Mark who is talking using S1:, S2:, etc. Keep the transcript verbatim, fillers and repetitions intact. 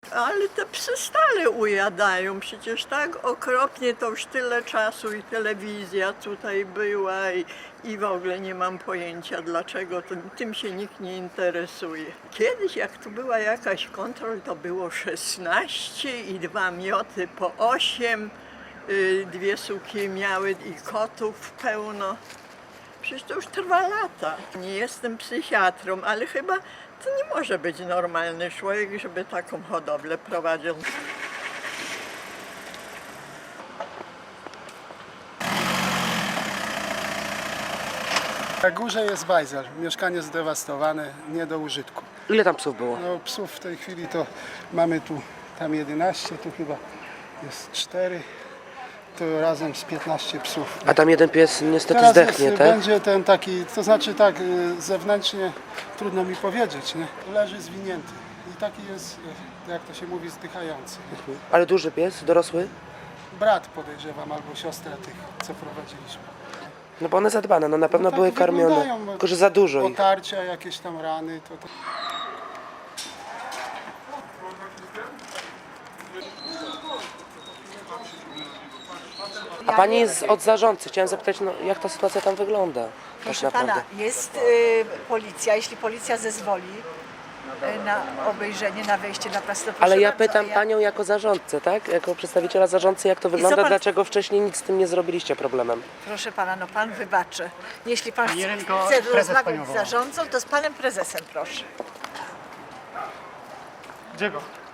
S1: Ale te psy stale ujadają, przecież tak okropnie to już tyle czasu i telewizja tutaj była i, i w ogóle nie mam pojęcia dlaczego tym, tym się nikt nie interesuje. Kiedyś jak tu była jakaś kontrol, to było szesnaście i dwa mioty po osiem, y, dwie suki miały i kotów pełno. Przecież to już trwa lata. Nie jestem psychiatrą, ale chyba to nie może być normalny człowiek, żeby taką hodowlę prowadził.
S2: Na górze jest bajzel, mieszkanie zdewastowane, nie do użytku.
S3: Ile tam psów było?
S2: No, psów w tej chwili to mamy tu tam jedenaście, tu chyba jest cztery, to razem z piętnaście psów.
S3: A tam jeden pies niestety
S2: Teraz
S3: zdechnie,
S2: jest,
S3: tak?
S2: będzie ten taki, to znaczy tak, y, zewnętrznie trudno mi powiedzieć, nie? Leży zwinięty i taki jest, y, jak to się mówi, zdychający.
S3: Ale duży pies, dorosły?
S2: Brat podejrzewam, albo siostra tych, co prowadziliśmy.
S3: No bo one zadbane, no na pewno
S2: tak
S3: były karmione,
S2: wyglądają,
S3: tylko że za dużo ich.
S2: Otarcia, jakieś tam rany, to... to...
S3: A pani jest od zarządcy, chciałem zapytać, no, jak ta sytuacja tam wygląda? Tak
S4: Proszę
S3: naprawdę.
S4: pana, jest y, policja, jeśli policja zezwoli y, na obejrzenie, na wejście na prasę, to proszę
S3: Ale ja
S4: bardzo,
S3: pytam
S4: a ja-
S3: panią jako zarządcy, tak? Jako przedstawiciela zarządcy, jak to wygląda,
S4: pan-
S3: dlaczego wcześniej nic z tym nie zrobiliście problemem?
S4: Proszę pana, no pan wybaczy. Jeśli pan chce,
S5: Jerenko,
S4: chce
S5: prezes
S4: rozmawiać
S5: panią
S4: z
S5: woła.
S4: zarządcą, to z panem prezesem proszę.
S5: Gdzie go?